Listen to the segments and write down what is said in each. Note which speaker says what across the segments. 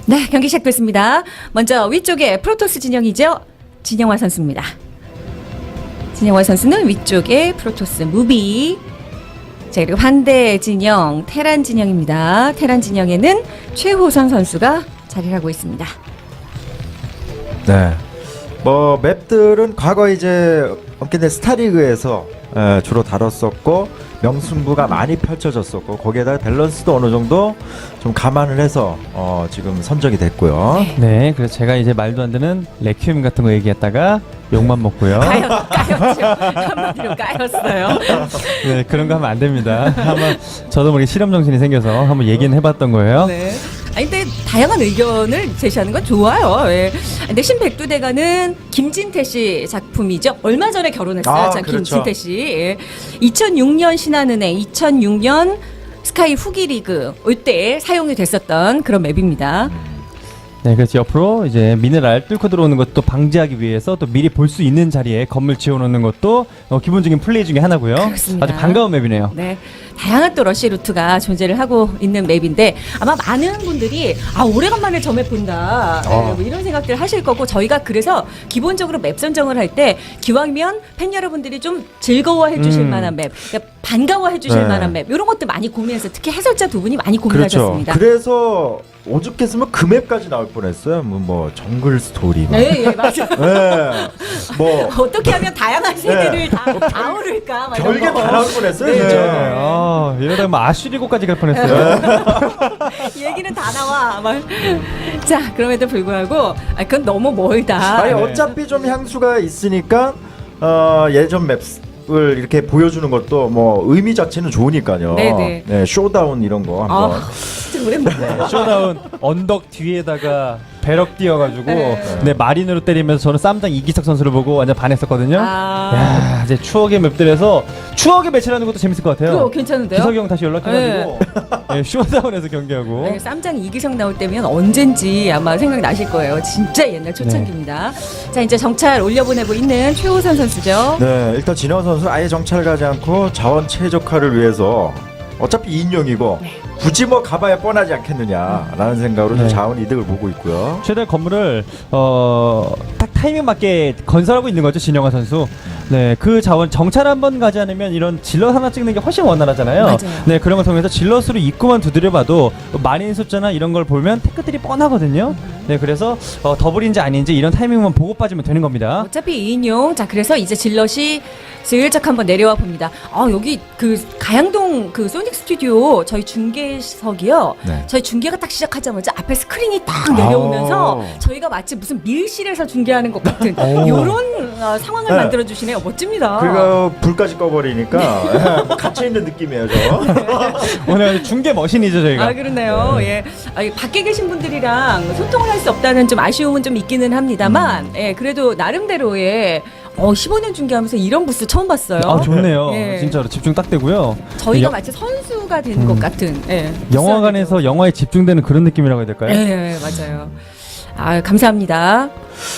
Speaker 1: 네, 경기 시작됐습니다. 먼저 위쪽에 프로토스 진영이죠. 진영화 선수입니다. 진영화 선수는 위쪽에 프로토스 무비. 자, 그리고 반대 진영 테란 진영입니다. 테란 진영에는 최호선 선수가 자리를 하고 있습니다.
Speaker 2: 네. 뭐 맵들은 과거 이제 업계된 스타리그에서 주로 다뤘었고 명승부가 많이 펼쳐졌었고 거기에다 밸런스도 어느 정도 좀 감안을 해서 지금 선정이 됐고요.
Speaker 3: 네, 그래서 제가 이제 말도 안 되는 레퀴엠 같은 거 얘기했다가 욕만 먹고요.
Speaker 1: 까였죠. 한마디로 까였어요.
Speaker 3: 네, 그런 거 하면 안 됩니다. 한번 저도 모르게 실험 정신이 생겨서 한번 얘기는 해봤던 거예요.
Speaker 1: 네. 아니 근데 다양한 의견을 제시하는 건 좋아요. 예. 근데 신백두대간은 김진태 씨 작품이죠. 얼마 전에 결혼했어요. 자,
Speaker 2: 그렇죠.
Speaker 1: 김진태 씨. 예. 2006년 신한은행, 2006년 스카이 후기 리그 이때 사용이 됐었던 그런 맵입니다.
Speaker 3: 네, 그래서 옆으로 이제 미네랄 뚫고 들어오는 것도 방지하기 위해서 또 미리 볼 수 있는 자리에 건물 지어놓는 것도 기본적인 플레이 중에 하나고요.
Speaker 1: 그렇습니다.
Speaker 3: 아주 반가운 맵이네요.
Speaker 1: 네. 다양한 또 러시 루트가 존재를 하고 있는 맵인데 아마 많은 분들이 오래간만에 저 맵 본다 뭐 이런 생각들 하실 거고 저희가 그래서 기본적으로 맵 선정을 할 때 기왕이면 팬 여러분들이 좀 즐거워해 주실 만한 맵, 그러니까 반가워해 주실
Speaker 2: 네.
Speaker 1: 만한 맵 이런 것들 많이 고민해서 특히 해설자 두 분이 많이
Speaker 2: 그렇죠.
Speaker 1: 고민하셨습니다.
Speaker 2: 그래서 오죽했으면 그 맵까지 나올 뻔했어요. 뭐 정글 스토리. 막.
Speaker 1: 네, 예, 맞아요.
Speaker 2: 네. 뭐
Speaker 1: 어떻게 하면 다양한 세대를 다 아우를까 막 이런
Speaker 2: 별게
Speaker 1: 거.
Speaker 2: 다 나올 뻔했어요.
Speaker 1: 네.
Speaker 2: 진짜.
Speaker 3: 이러다 뭐 아슈리고까지 갈 뻔했어요.
Speaker 1: 얘기는 다 나와. 막. 자, 그럼에도 불구하고 그건 너무 멀다.
Speaker 2: 아니
Speaker 3: 네.
Speaker 2: 어차피 좀 향수가 있으니까 예전 맵을 이렇게 보여주는 것도 뭐 의미 자체는 좋으니까요.
Speaker 1: 네네.
Speaker 2: 네, 쇼다운 이런 거 한번.
Speaker 1: 진짜 오랜만에.
Speaker 3: 쇼다운 언덕 뒤에다가 배럭 띄어가지고
Speaker 1: 네.
Speaker 3: 네, 마린으로 때리면서 저는 쌈장 이기석 선수를 보고 완전 반했었거든요.
Speaker 1: 아.
Speaker 3: 야, 이제 추억의 맵들에서 추억의 매치라는 것도 재밌을 것 같아요.
Speaker 1: 그거 괜찮은데요?
Speaker 3: 기석이 형 다시 연락해가지고 네, 쇼다운에서 경기하고.
Speaker 1: 네, 쌈장 이기성 나올 때면 언젠지 아마 생각나실 거예요. 진짜 옛날 초창기입니다. 자, 이제 정찰 올려보내고 있는 최호선 선수죠.
Speaker 2: 네, 일단 진영 선수 아예 정찰 가지 않고 자원 최적화를 위해서 어차피 2인용이고 굳이 뭐 가봐야 뻔하지 않겠느냐라는 생각으로 좀
Speaker 3: 네.
Speaker 2: 자원 이득을 보고 있고요.
Speaker 3: 최대 건물을 딱 타이밍 맞게 건설하고 있는 거죠, 진영아 선수. 네, 그 자원 정찰 한번 가지 않으면 이런 질럿 하나 찍는 게 훨씬 원활하잖아요.
Speaker 1: 맞아요.
Speaker 3: 네, 그런 걸 통해서 질럿으로 입구만 두드려봐도 마린 숫자나 이런 걸 보면 테크들이 뻔하거든요. 네, 그래서 더블인지 아닌지 이런 타이밍만 보고 빠지면 되는 겁니다.
Speaker 1: 어차피 2인용. 자, 그래서 이제 질럿이 슬쩍 한번 내려와 봅니다. 여기 그 가양동 그 소닉 스튜디오 저희 중계석이요.
Speaker 2: 네.
Speaker 1: 저희 중계가 딱 시작하자마자 앞에 스크린이 딱 내려오면서 저희가 마치 무슨 밀실에서 중계하는 것 같은 이런 상황을
Speaker 2: 네.
Speaker 1: 만들어 주시네요. 멋집니다.
Speaker 2: 그리고 불까지 꺼버리니까 갇혀 있는 느낌이에요, 저.
Speaker 3: 오늘 중계 머신이죠, 저희가.
Speaker 1: 그렇네요. 예. 밖에 계신 분들이랑 소통을 할 수 없다는 좀 아쉬움은 좀 있기는 합니다만, 예, 그래도 나름대로의 15년 중계하면서 이런 부스 처음 봤어요.
Speaker 3: 좋네요.
Speaker 1: 예.
Speaker 3: 진짜로 집중 딱 되고요.
Speaker 1: 저희가
Speaker 3: 영-
Speaker 1: 마치 선수가 된 것 같은. 예.
Speaker 3: 영화관에서 영화에 집중되는 그런 느낌이라고 해야 될까요?
Speaker 1: 예, 맞아요. 감사합니다.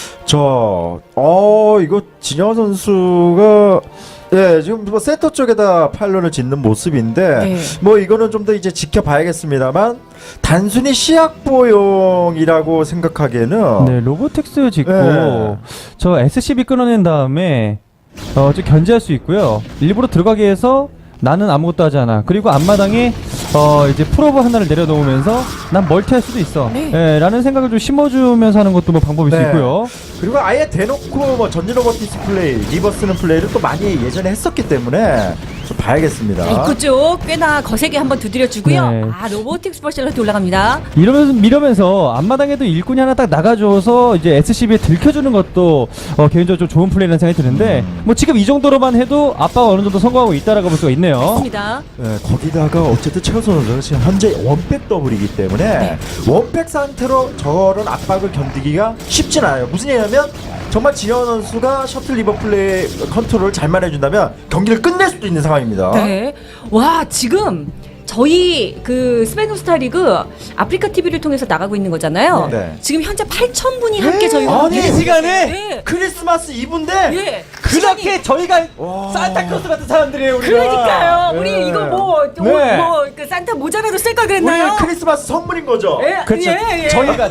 Speaker 2: 이거 진영 선수가 지금 뭐 세터 쪽에다 파일런을 짓는 모습인데
Speaker 1: 네.
Speaker 2: 뭐 이거는 좀 더 이제 지켜봐야겠습니다만 단순히 시약보용이라고 생각하기에는
Speaker 3: 네, 로보텍스 짓고
Speaker 2: 네.
Speaker 3: 저 SCB 끊어낸 다음에 좀 견제할 수 있고요. 일부러 들어가게 해서 나는 아무것도 하지 않아. 그리고 앞마당에 이제 프로브 하나를 내려놓으면서 난 멀티할 수도 있어.
Speaker 1: 네.
Speaker 3: 예, 라는 생각을 좀 심어주면서 하는 것도 뭐 방법일 수
Speaker 2: 네.
Speaker 3: 있고요.
Speaker 2: 그리고 아예 대놓고 뭐 전진 로봇 디스플레이 리버스는 플레이를 또 많이 예전에 했었기 때문에 좀 봐야겠습니다.
Speaker 1: 입구 쪽 꽤나 거세게 한번 두드려 주고요.
Speaker 3: 네.
Speaker 1: 로보틱스 버실러트 올라갑니다.
Speaker 3: 이러면서 앞마당에도 일꾼이 하나 딱 나가줘서 이제 SCB에 들켜주는 것도 개인적으로 좀 좋은 플레이라는 생각이 드는데 뭐 지금 이 정도로만 해도 아빠가 어느 정도 성공하고 있다라고 볼 수가 있네요.
Speaker 1: 맞습니다.
Speaker 2: 거기다가 어쨌든 최우선 선수는 지금 현재 원백 더블이기 때문에
Speaker 1: 네.
Speaker 2: 원백 상태로 저런 압박을 견디기가 쉽진 않아요. 무슨 얘기냐면 정말 지현 선수가 셔틀 리버 플레이 컨트롤을 잘만 해준다면 경기를 끝낼 수도 있는 상황입니다.
Speaker 1: 네. 와, 지금 저희 그 스페누스타 리그 아프리카 TV를 통해서 나가고 있는 거잖아요.
Speaker 2: 네.
Speaker 1: 지금 현재 8,000분이 함께 저희와
Speaker 3: 아니, 이 시간에
Speaker 1: 네.
Speaker 2: 크리스마스 이브인데
Speaker 1: 예.
Speaker 3: 그렇게 저희가
Speaker 2: 와.
Speaker 3: 산타클로스 같은 사람들이에요, 우리가.
Speaker 1: 그러니까요. 우리
Speaker 2: 네.
Speaker 1: 이거
Speaker 3: 네.
Speaker 1: 뭐그 산타 모자라도 쓸 걸
Speaker 2: 우리
Speaker 1: 그랬나요?
Speaker 2: 크리스마스 선물인 거죠.
Speaker 1: 예,
Speaker 3: 그렇죠.
Speaker 1: 예, 예.
Speaker 3: 저희가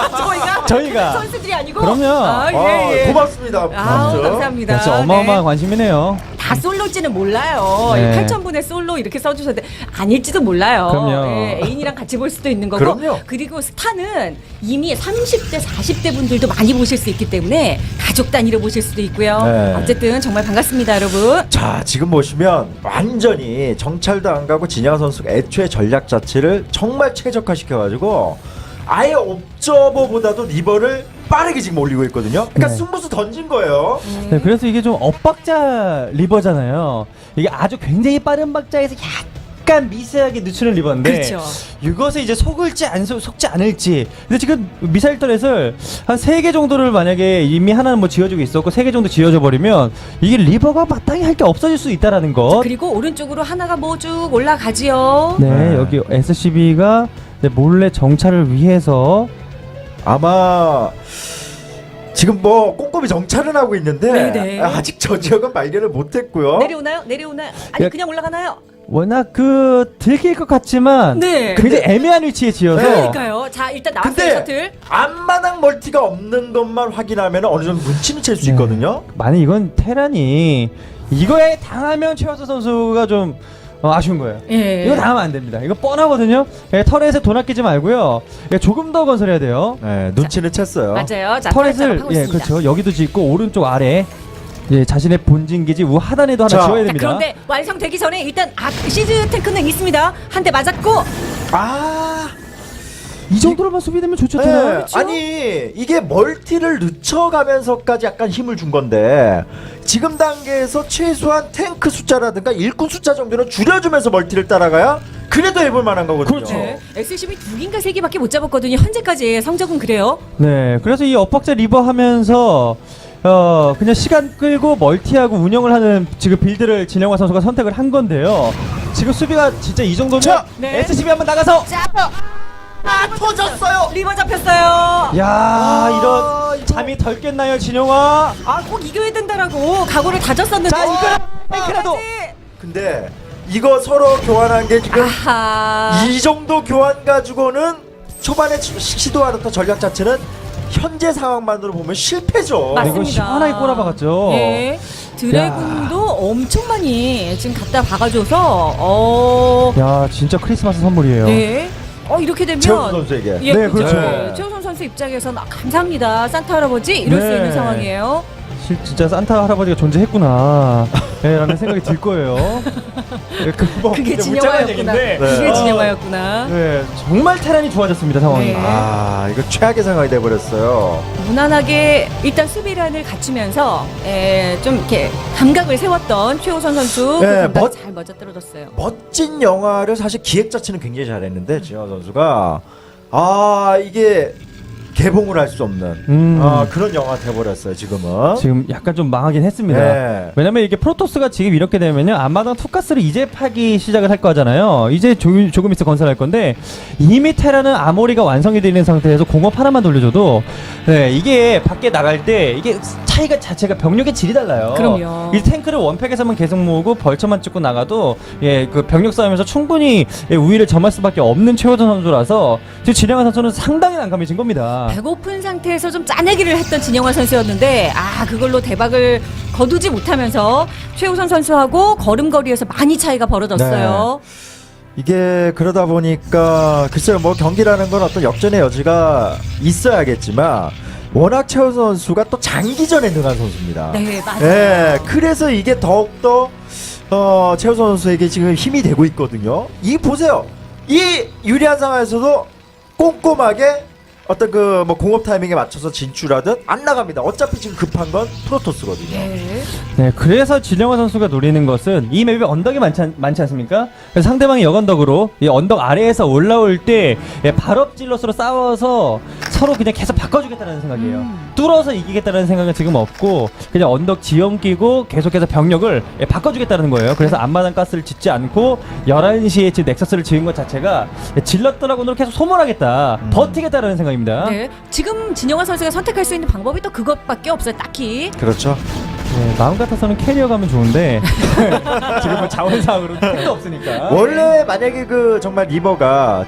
Speaker 1: 저희가 선수들이 아니고
Speaker 3: 그럼요.
Speaker 1: 아, 예, 예.
Speaker 2: 고맙습니다.
Speaker 1: 아우,
Speaker 2: 아무튼.
Speaker 1: 감사합니다.
Speaker 3: 진짜 어마어마한
Speaker 1: 네.
Speaker 3: 관심이네요.
Speaker 1: 다 솔로일지는 몰라요.
Speaker 3: 네.
Speaker 1: 8,000분의 솔로 이렇게 써주셨는데 아닐지도 몰라요.
Speaker 3: 그럼요.
Speaker 1: 네, 애인이랑 같이 볼 수도 있는 거고.
Speaker 2: 그럼요.
Speaker 1: 그리고 스타는 이미 30대, 40대 분들도 많이 보실 수 있기 때문에 가족 단위로 보실 수도 있고요.
Speaker 2: 네.
Speaker 1: 어쨌든 정말 반갑습니다, 여러분.
Speaker 2: 자, 지금 보시면 완전히 정찰도 안 가고 진양 선수가 애초에 전략 자체를 정말 최적화시켜가지고 아예 옵저버보다도 리버를 빠르게 지금 올리고 있거든요. 그러니까
Speaker 3: 네.
Speaker 2: 승부수 던진 거예요.
Speaker 3: 네, 그래서 이게 좀 엇박자 리버잖아요. 이게 아주 굉장히 빠른 박자에서 약간 미세하게 늦추는 리버인데
Speaker 1: 그렇죠.
Speaker 3: 이것에 이제 속을지 안 속지 않을지. 근데 지금 미사일 터렛을 한 3개 정도를 만약에 이미 하나는 뭐 지어주고 있었고 3개 정도 지어져 버리면 이게 리버가 마땅히 할 게 없어질 수 있다라는 것.
Speaker 1: 그리고 오른쪽으로 하나가 뭐 쭉 올라가지요.
Speaker 3: 네,
Speaker 2: 네.
Speaker 3: 여기 SCB가 몰래 정찰을 위해서
Speaker 2: 아마 지금 뭐 꼼꼼히 정찰은 하고 있는데
Speaker 1: 네네.
Speaker 2: 아직 저 지역은 발견을 못했고요.
Speaker 1: 내려오나요? 내려오나요? 아니
Speaker 3: 야.
Speaker 1: 그냥 올라가나요?
Speaker 3: 워낙 들킬 것 같지만
Speaker 1: 네.
Speaker 3: 굉장히 애매한 위치에 지어서
Speaker 1: 그러니까요. 자 일단 나왔어요
Speaker 2: 근데
Speaker 1: 셔틀.
Speaker 2: 앞마당 멀티가 없는 것만 확인하면 어느 정도 눈치는 챌 수
Speaker 3: 네.
Speaker 2: 있거든요.
Speaker 3: 만약 이건 테란이 이거에 당하면 최화수 선수가 좀 아쉬운 거예요.
Speaker 1: 예.
Speaker 3: 이거 당하면 안 됩니다. 이거 뻔하거든요. 예, 터렛에 돈 아끼지 말고요. 예, 조금 더 건설해야 돼요.
Speaker 2: 네, 눈치는 챘어요.
Speaker 1: 맞아요. 자
Speaker 3: 터렛을
Speaker 1: 하고
Speaker 3: 예,
Speaker 1: 있습니다.
Speaker 3: 그렇죠. 여기도 짓고 오른쪽 아래 예, 자신의 본진 기지 우 하단에도 하나
Speaker 2: 자,
Speaker 3: 지어야
Speaker 1: 자,
Speaker 3: 됩니다.
Speaker 1: 그런데 완성되기 전에 일단 시즈 탱크는 있습니다. 한 대 맞았고
Speaker 2: 아,
Speaker 3: 이 정도로만 수비되면 좋죠,
Speaker 2: 네.
Speaker 3: 테란.
Speaker 1: 그렇죠?
Speaker 2: 아니 이게 멀티를 늦춰가면서까지 약간 힘을 준 건데 지금 단계에서 최소한 탱크 숫자라든가 일꾼 숫자 정도는 줄여주면서 멀티를 따라가야 그래도 해볼 만한 거거든요.
Speaker 3: 그렇죠.
Speaker 1: 네. SCB 2개인가 3개밖에 못 잡았거든요. 현재까지의 성적은 그래요.
Speaker 3: 네, 그래서 이 엇박자 리버 하면서 그냥 시간 끌고 멀티하고 운영을 하는 지금 빌드를 진영화 선수가 선택을 한 건데요. 지금 수비가 진짜 이 정도면
Speaker 2: 자,
Speaker 1: 네.
Speaker 3: SCB 한번 나가서
Speaker 1: 자,
Speaker 2: 터졌어요.
Speaker 1: 리버 잡혔어요.
Speaker 3: 야
Speaker 2: 이거-
Speaker 3: 이런 잠이 덜 깼나요 진영화?
Speaker 1: 아, 꼭 이겨야 된다라고 각오를 다졌었는데.
Speaker 3: 자 이거 탱크라도
Speaker 2: 근데 이거 서로 교환한 게 지금
Speaker 1: 아하.
Speaker 2: 이 정도 교환 가지고는 초반에 시도하던 전략 자체는 현재 상황만으로 보면 실패죠.
Speaker 1: 맞습니다.
Speaker 3: 이거 시원하게 꼬라박았죠.
Speaker 1: 예. 드래곤도 엄청 많이 지금 갖다 박아줘서
Speaker 3: 야 진짜 크리스마스 선물이에요.
Speaker 1: 네. 이렇게 되면
Speaker 2: 최우수 선수에게.
Speaker 1: 예,
Speaker 3: 네,
Speaker 1: 그렇죠.
Speaker 2: 그렇죠.
Speaker 1: 최우선 선수 입장에서는 감사합니다. 산타 할아버지 이럴 수
Speaker 3: 네.
Speaker 1: 있는 상황이에요.
Speaker 3: 진짜 산타 할아버지가 존재했구나 라는 생각이 들 거예요. 네, 뭐
Speaker 1: 그게
Speaker 3: 진짜 울적한
Speaker 1: 진영화였구나.
Speaker 3: 얘기인데,
Speaker 1: 그게
Speaker 2: 네.
Speaker 1: 진영화였구나.
Speaker 3: 네, 정말 테란이 좋아졌습니다 상황이.
Speaker 1: 네.
Speaker 2: 아, 이거 최악의 상황이 돼버렸어요.
Speaker 1: 무난하게 일단 수비란을 갖추면서 좀 이렇게 감각을 세웠던 최우선 선수 그
Speaker 2: 네,
Speaker 1: 감각이
Speaker 2: 멋-
Speaker 1: 잘 맞아떨어졌어요.
Speaker 2: 멋진 영화를 사실 기획 자체는 굉장히 잘했는데 진영 선수가 이게 개봉을 할 수 없는 그런 영화 돼버렸어요 지금은.
Speaker 3: 지금 약간 좀 망하긴 했습니다.
Speaker 2: 네.
Speaker 3: 왜냐면 이게 프로토스가 지금 이렇게 되면요 앞마당 투가스를 이제 파기 시작을 할 거잖아요. 이제 조금 있어 건설할 건데 이미 테라는 아모리가 완성이 되어 있는 상태에서 공업 하나만 돌려줘도 네, 이게 밖에 나갈 때 이게 차이가 자체가 병력의 질이 달라요.
Speaker 1: 그럼요.
Speaker 3: 이 탱크를 원팩에서만 계속 모으고 벌처만 찍고 나가도 그 병력 싸움에서 충분히 우위를 점할 수밖에 없는 최호전 선수라서 지금 진영환 선수는 상당히 난감해진 겁니다.
Speaker 1: 배고픈 상태에서 좀 짜내기를 했던 진영화 선수였는데 그걸로 대박을 거두지 못하면서 최우선 선수하고 걸음걸이에서 많이 차이가 벌어졌어요.
Speaker 2: 이게 그러다 보니까 글쎄요 뭐 경기라는 건 어떤 역전의 여지가 있어야겠지만 워낙 최우 선수가 또 장기전에 능한 선수입니다.
Speaker 1: 네, 맞아요.
Speaker 2: 예, 그래서 이게 더욱더 최우 선수에게 지금 힘이 되고 있거든요. 이 보세요. 이 유리한 상황에서도 꼼꼼하게 어떤 그 뭐 공업 타이밍에 맞춰서 진출하든 안 나갑니다. 어차피 지금 급한 건 프로토스거든요.
Speaker 1: 네.
Speaker 3: 네, 그래서 진영화 선수가 노리는 것은 이 맵에 언덕이 많지 않습니까? 그래서 상대방이 역언덕으로 이 언덕 아래에서 올라올 때 발업질럿으로 싸워서 서로 그냥 계속 바꿔주겠다는 생각이에요. 뚫어서 이기겠다는 생각은 지금 없고 그냥 언덕 지형 끼고 계속해서 병력을 바꿔주겠다는 거예요. 그래서 앞마당 가스를 짓지 않고 11시에 지금 넥서스를 지은 것 자체가 질럿 드라군으로 계속 소모하겠다, 버티겠다는 생각입니다.
Speaker 1: 네. 지금 진영화 선수가 선택할 수 있는 방법이 또 그것밖에 없어요. 딱히.
Speaker 2: 그렇죠.
Speaker 3: 네, 마음 같아서는 캐리어 가면 좋은데 지금은 자원상으로 택도 없으니까.
Speaker 2: 원래 만약에 그 정말 리버가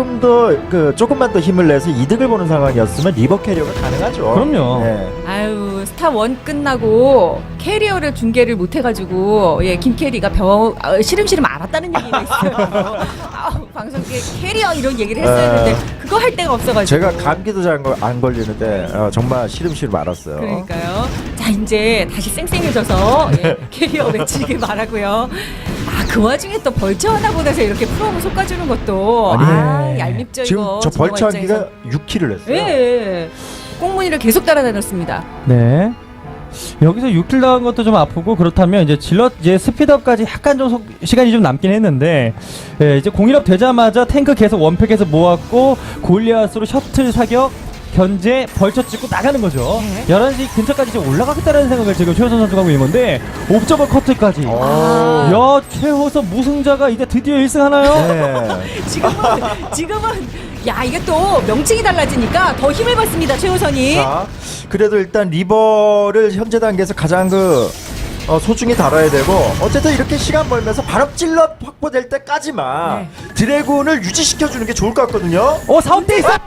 Speaker 2: 조금만 더 힘을 내서 이득을 보는 상황이었으면 리버 캐리어가 가능하죠.
Speaker 3: 그럼요.
Speaker 2: 네.
Speaker 1: 아유, 스타 원 끝나고 캐리어를 중계를 못 해가지고 김캐리가 시름시름 알았다는 얘기가 있어요. 방송국에 캐리어 이런 얘기를 했어야 했는데 그거 할 데가 없어가지고.
Speaker 2: 제가 감기도 잘 안 걸리는데 정말 시름시름 알았어요.
Speaker 1: 그러니까요. 자, 이제 다시 쌩쌩해져서 캐리어 외치길 바라고요. 그 와중에 또 벌처 하나 보내서 이렇게 프로모 솎아주는 것도 얄밉죠.
Speaker 2: 지금
Speaker 1: 이거
Speaker 2: 저 벌처 한
Speaker 1: 진영화
Speaker 2: 기가 6킬을 했어요.
Speaker 1: 예. 꽁무니를 계속 따라다녔습니다.
Speaker 3: 네. 여기서 6킬 나간 것도 좀 아프고, 그렇다면 이제 질럿 이제 스피드업까지 약간 좀 시간이 좀 남긴 했는데, 이제 공일업 되자마자 탱크 계속 원팩에서 모았고 골리앗으로 셔틀 사격 견제 벌쳐 찍고 나가는 거죠. 11시 근처까지 지금 올라가겠다는 생각을 지금 최호선 선수가 하고 있는 건데, 옵저버 커트까지. 야, 최호선 무승자가 이제 드디어 1승 하나요?
Speaker 2: 네.
Speaker 1: 지금은 이게 또 명칭이 달라지니까 더 힘을 받습니다. 최호선이.
Speaker 2: 자, 그래도 일단 리버를 현재 단계에서 가장 소중히 다뤄야 되고, 어쨌든 이렇게 시간 벌면서 발업질럿 확보될 때까지만 드래곤을 유지시켜주는 게 좋을 것 같거든요.
Speaker 3: 사업돼 있어.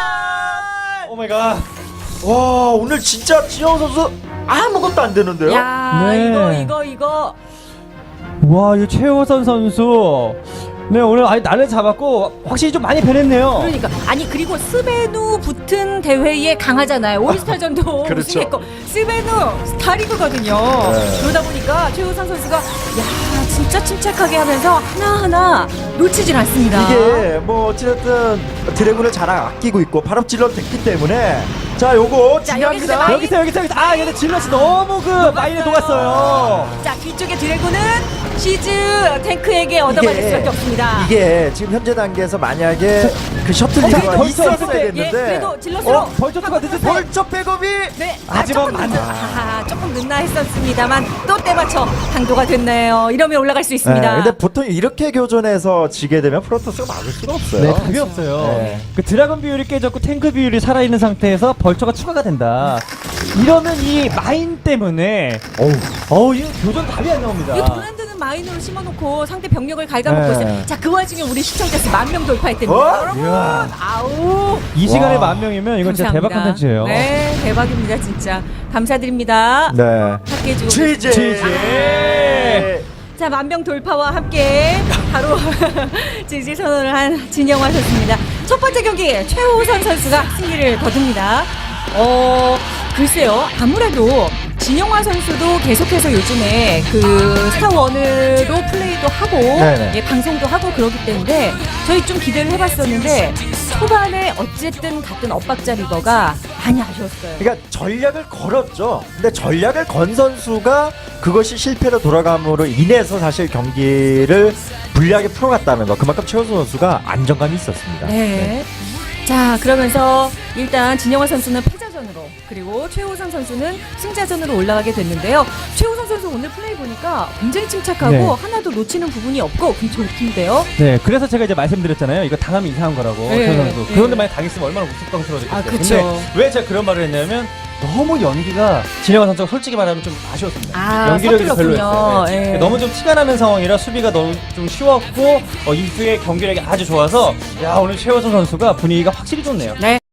Speaker 3: 오 마이 갓.
Speaker 2: 와, 오늘 진짜 지영 선수 아무것도 안 되는데요.
Speaker 1: 야,
Speaker 3: 네.
Speaker 1: 이거.
Speaker 3: 와, 이 최호선 선수. 네, 오늘 날을 잡았고 확실히 좀 많이 변했네요.
Speaker 1: 그러니까 그리고 스베누 붙은 대회에 강하잖아요. 올스타전도
Speaker 2: 그렇죠.
Speaker 1: 우승했고 스베누 스타리그거든요. 그러다 보니까 최우선 선수가 진짜 침착하게 하면서 하나하나 놓치질 않습니다.
Speaker 2: 이게 뭐 어찌됐든 드래곤을 잘 아끼고 있고 발업질럿 됐기 때문에, 자, 요거
Speaker 1: 자,
Speaker 2: 중요합니다.
Speaker 1: 여기서
Speaker 3: 여기서. 근데 질럿이 너무 마인에 녹았어요.
Speaker 1: 자, 뒤쪽에 드래곤은 시즈 탱크에게 얻어맞을 수밖에 없습니다.
Speaker 2: 이게 지금 현재 단계에서 만약에 그 셔틀 리버가
Speaker 3: 벌써
Speaker 2: 있었어야 됐는데,
Speaker 1: 그래도 질럿으로
Speaker 3: 벌초투가 늦은
Speaker 2: 벌쩍 백업이
Speaker 3: 하지만
Speaker 1: 조금 늦나 했었습니다만 또 때맞춰 강도가 됐네요. 이러면 올라갈 수 있습니다.
Speaker 2: 근데 보통 이렇게 교전에서 지게 되면 프로토스가 막을 수가 없어요.
Speaker 3: 네, 답이 없어요.
Speaker 2: 네.
Speaker 3: 그 드래곤 비율이 깨졌고 탱크 비율이 살아있는 상태에서 벌처가 추가가 된다. 이러면 이 마인 때문에 이 교전 답이 안 나옵니다.
Speaker 1: 이거 돈 안 드는 마인으로 심어놓고 상대 병력을 갉아먹고 있어요. 자, 그 와중에 우리 시청자 수 10,000명 돌파했답니다. 여러분,
Speaker 3: 이야.
Speaker 1: 아우.
Speaker 3: 이 시간에
Speaker 2: 와.
Speaker 3: 10,000명이면 이건 진짜 대박
Speaker 1: 감사합니다.
Speaker 3: 컨텐츠예요.
Speaker 1: 네, 대박입니다, 진짜. 감사드립니다.
Speaker 2: 네.
Speaker 1: 함께 해주고
Speaker 2: 지지.
Speaker 1: 자, 10,000명 돌파와 함께 바로 지지 선언을 한 진영화셨습니다. 첫 번째 경기 최호선 선수가 승리를 거둡니다. 글쎄요, 아무래도 진영화 선수도 계속해서 요즘에 그 스타원으로 플레이도 하고 방송도 하고 그러기 때문에 저희 좀 기대를 해봤었는데 초반에 어쨌든 같은 엇박자 리버가 많이 아쉬웠어요.
Speaker 2: 그러니까 전략을 걸었죠. 근데 전략을 건 선수가 그것이 실패로 돌아감으로 인해서 사실 경기를 불리하게 풀어갔다는 거. 그만큼 최호선 선수가 안정감이 있었습니다.
Speaker 1: 네. 자, 그러면서 일단 진영화 선수는 패자전으로, 그리고 최호선 선수는 승자전으로 올라가게 됐는데요. 최호선 선수 오늘 플레이 보니까 굉장히 침착하고
Speaker 3: 네.
Speaker 1: 하나도 놓치는 부분이 없고 굉장히 좋던데요.
Speaker 3: 네, 그래서 제가 이제 말씀드렸잖아요. 이거 당하면 이상한 거라고.
Speaker 1: 네,
Speaker 3: 최 선수.
Speaker 1: 네.
Speaker 3: 그런데 만약 당했으면 얼마나 우스꽝스러워졌겠어요.
Speaker 1: 그쵸.
Speaker 3: 근데 왜 제가 그런 말을 했냐면 너무 연기가 진영환 선수가 솔직히 말하면 좀 아쉬웠습니다. 연기력이 좀
Speaker 1: 서툴렀군요.
Speaker 3: 별로였어요. 네.
Speaker 1: 예.
Speaker 3: 너무 좀 티가 나는 상황이라 수비가 너무 좀 쉬웠고 이후에 경기력이 아주 좋아서 오늘 최호선 선수가 분위기가 확실히 좋네요.
Speaker 1: 네.